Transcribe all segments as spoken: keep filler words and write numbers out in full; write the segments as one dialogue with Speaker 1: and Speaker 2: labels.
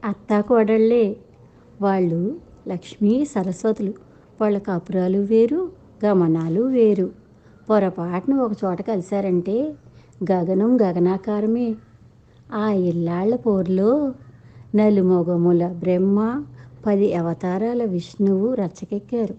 Speaker 1: అత్తా కోడళ్ళే. వాళ్ళు లక్ష్మీ సరస్వతులు. వాళ్ళ కాపురాలు వేరు, గమనాలు వేరు. పొరపాటున ఒక చోట కలిశారంటే గగనం గగనాకారమే. ఆ ఇల్లాళ్ల పోరులో నలుమొగముల బ్రహ్మ, పది అవతారాల విష్ణువు రచ్చకెక్కారు.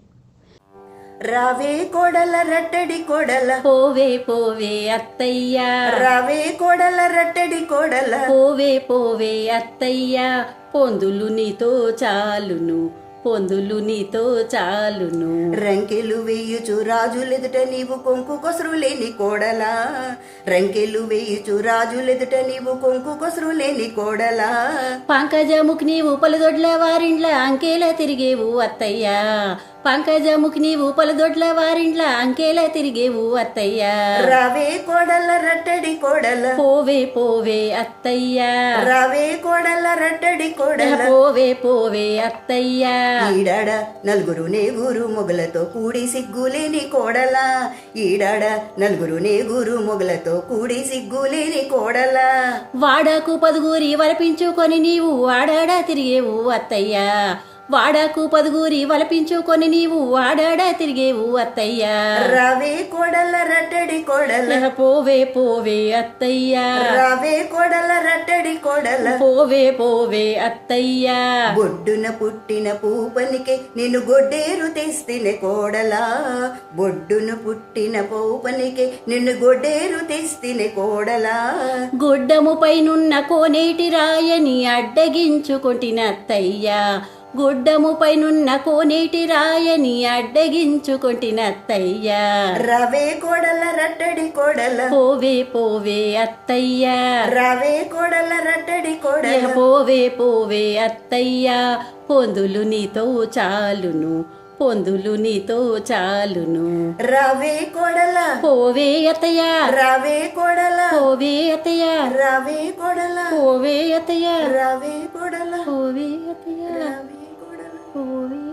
Speaker 2: రావే కోడల రట్టడి కోడల,
Speaker 3: పోవే పోవే అత్తయ్యా,
Speaker 2: రావే కోడల రట్టడి కోడల,
Speaker 3: పోవే పోవే అత్తయ్యా, పొందులు నీతో చాలును, పొందులు నీతో చాలును.
Speaker 2: రంకెలు వేయుచు రాజులెదుట నీవు కొంకు కొసరు లేని కోడలా, రంకెలు వేయుచు రాజులెదుట నీవు కొంకు కొసరు లేని కోడలా.
Speaker 3: పంకజముఖి నీవు పలుదొడ్ల వారిండ్ల అంకేలా తిరిగేవు అత్తయ్యా, పంకజముఖి నీవు పలుదొడ్ల వారిండ్ల అంకేలా తిరిగేవు అత్తయ్యా.
Speaker 2: రావే కోడల రట్టడి కోడల,
Speaker 3: పోవే పోవే అత్తయ్యా,
Speaker 2: రావే కోడల రట్టడి కోడల,
Speaker 3: పోవే పోవే అత్తయ్యా.
Speaker 2: ఈడాడ నలుగురు నేగురు మొగలతో కూడి సిగ్గులేని కోడలా, ఈడాడ నలుగురు నేగురు మొగలతో కూడి సిగ్గులేని కోడలా.
Speaker 3: వాడాకు పదుగురి వలపించుకొని నీవు వాడాడా తిరిగేవు అత్తయ్యా, వాడాకు పదుగురి వలపించుకొని నీవు వాడాడా తిరిగేవు అత్తయ్యా.
Speaker 2: రావే కోడల రట్టడి కోడల,
Speaker 3: పోవే పోవే అత్తయ్యా,
Speaker 2: రావే కోడల రట్టడి కోడల,
Speaker 3: పోవే పోవే అత్తయ్యా.
Speaker 2: బొడ్డున పుట్టిన పూపనికి నిన్ను గొడ్డేరు తెస్తినే కోడలా, బొడ్డున పుట్టిన పూపనికి నిన్ను గొడ్డేరు తెస్తినే కోడలా.
Speaker 3: గుడ్డము పైనున్న కోనేటి రాయని అడ్డగించుకొంటిన అత్తయ్యా, గుడ్డము పైనున్న కోనేటి రాయని అడ్డగించుకొంటిన అత్తయ్యా.
Speaker 2: రావే కోడల రట్టడి కోడల,
Speaker 3: పోవే పోవే అత్తయ్యా,
Speaker 2: రావే కోడల రట్టడి కోడల,
Speaker 3: పోవే పోవే అత్తయ్యా, పొందులు నీతో చాలును, పొందులు నీతో చాలును.
Speaker 2: రావే కోడల,
Speaker 3: పోవే అత్తయ్యా,
Speaker 2: రావే కోడల,
Speaker 3: పోవే అత్తయ్యా,
Speaker 2: రావే కోడల,
Speaker 3: పోవే అత్తయ్యా,
Speaker 2: రావే కోడల,
Speaker 3: పోవే అత్తయ్యా,
Speaker 2: రావే కోడల.
Speaker 3: పోవే